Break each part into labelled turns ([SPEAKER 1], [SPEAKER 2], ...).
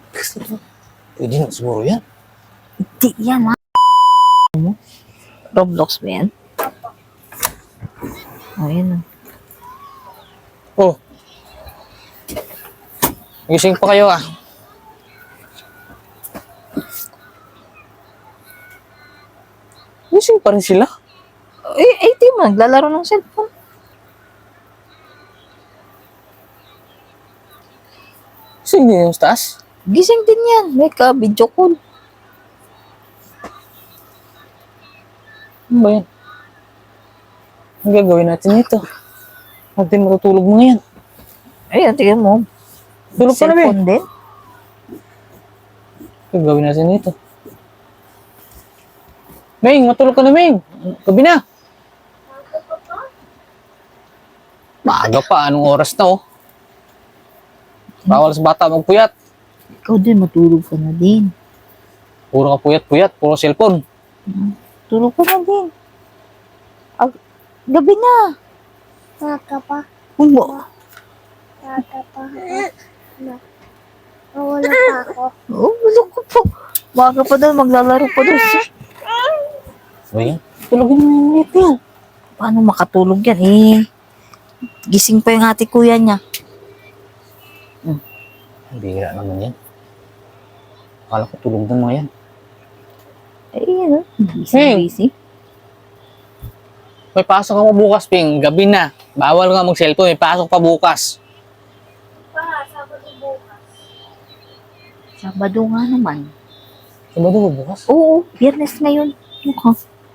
[SPEAKER 1] Pwede na siguro yan.
[SPEAKER 2] Di yan, ha? Roblox ba yan? O, yan.
[SPEAKER 1] Oh. Gising pa kayo ah. Gising pa rin sila.
[SPEAKER 2] Di mo, naglalaro ng cellphone.
[SPEAKER 1] Gising din yung taas.
[SPEAKER 2] Gising din yan. May ka-video call.
[SPEAKER 1] Ano ba yan? Ang gagawin natin ito? Natin matutulog mo ngayon.
[SPEAKER 2] Ayan, tingnan mo.
[SPEAKER 1] Tulog ka na ba?
[SPEAKER 2] Cellphone din.
[SPEAKER 1] Gagawin natin ito. Ming, matulog ka na, Ming. Gabi na. Maaga pa. Anong oras na, oh? Bawal sa bata magpuyat.
[SPEAKER 2] Ikaw din, matulog ka na din.
[SPEAKER 1] Puro ka puyat-puyat. Puro cellphone.
[SPEAKER 2] Tulog ka na din. Gabi na.
[SPEAKER 3] Maka pa.
[SPEAKER 2] Umo.
[SPEAKER 3] Maka pa. Nawala pa ako.
[SPEAKER 2] Oh, bulok ko po. Baka pa daw, maglalaro pa daw siya.
[SPEAKER 1] Ba yan? Tulogin mo yung ulit yan.
[SPEAKER 2] Paano makatulog yan eh? Gising pa yung ate kuya niya.
[SPEAKER 1] Bihira naman yan. Akala ko tulog ng mga yan.
[SPEAKER 2] Ayun,
[SPEAKER 1] Hey.
[SPEAKER 2] busy.
[SPEAKER 1] May pasok ako bukas, Ping. Gabi na. Bawal nga mag-cellphone. May pasok pa bukas.
[SPEAKER 3] Sabado bukas.
[SPEAKER 2] Sabado nga naman.
[SPEAKER 1] Sabado ba bukas?
[SPEAKER 2] Oo, biyernes ngayon. Mukha.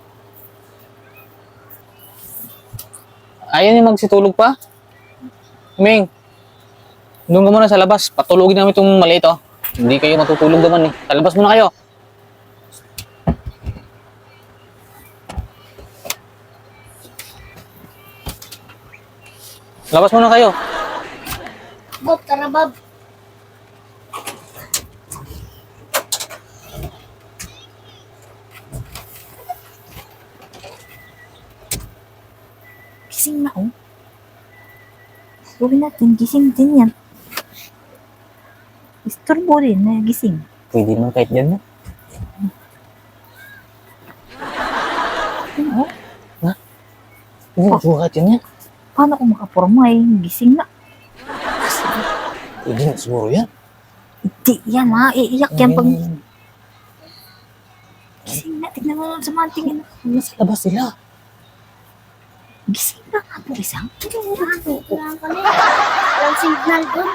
[SPEAKER 1] Ayaw niya magsitulog pa? Ming, doon ka muna sa labas. Patulogin namin itong maliit, oh. Hindi kayo matutulog naman, eh. Sa labas muna kayo. Labas muna kayo.
[SPEAKER 3] Bob, tara Bob.
[SPEAKER 2] Gising na, oh. Gawin natin, gising din yan. Istorbo rin na gising.
[SPEAKER 1] Pwede naman kahit dyan, no?
[SPEAKER 2] Ano?
[SPEAKER 1] Pwede na siguro kahit yan yan.
[SPEAKER 2] Paano kung makaporma eh? Gising na.
[SPEAKER 1] Pwede na siguro yan.
[SPEAKER 2] Hindi yan, ha? Iiyak yan pag
[SPEAKER 1] Ay,
[SPEAKER 2] gising na. Tignan mo sa mga tingin.
[SPEAKER 1] nasa labas sila.
[SPEAKER 2] Gising na nga po isang.
[SPEAKER 3] Kailangan kami. Walang signal doon.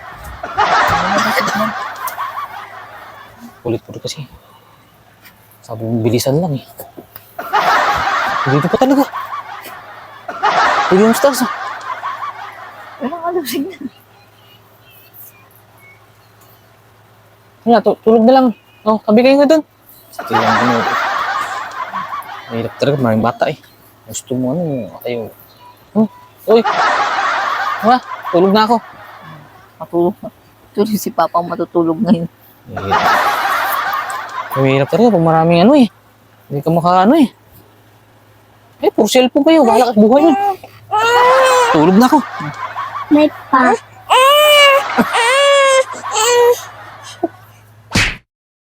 [SPEAKER 1] Ulit-ulit kasi. Sabi mo, bilisan lang, eh. Dito pa talaga. Pwede yung stars, ah.
[SPEAKER 2] Walang alam signal.
[SPEAKER 1] Kaya, tulog na lang. Oh, tabi kayo nga doon. Sige lang, ano. Mahirap talaga, maraming bata, eh. Gusto mo, ano, kayo. Uy! Ha? Tulog na ako.
[SPEAKER 2] Matulog na. Tuloy si Papa matutulog ngayon.
[SPEAKER 1] Mahirap talaga pag maraming ano, eh. Hindi ka makaano, eh. Eh, puro cellphone kayo. Bahala ka buhay yun. Tulog na ako.
[SPEAKER 3] May pa.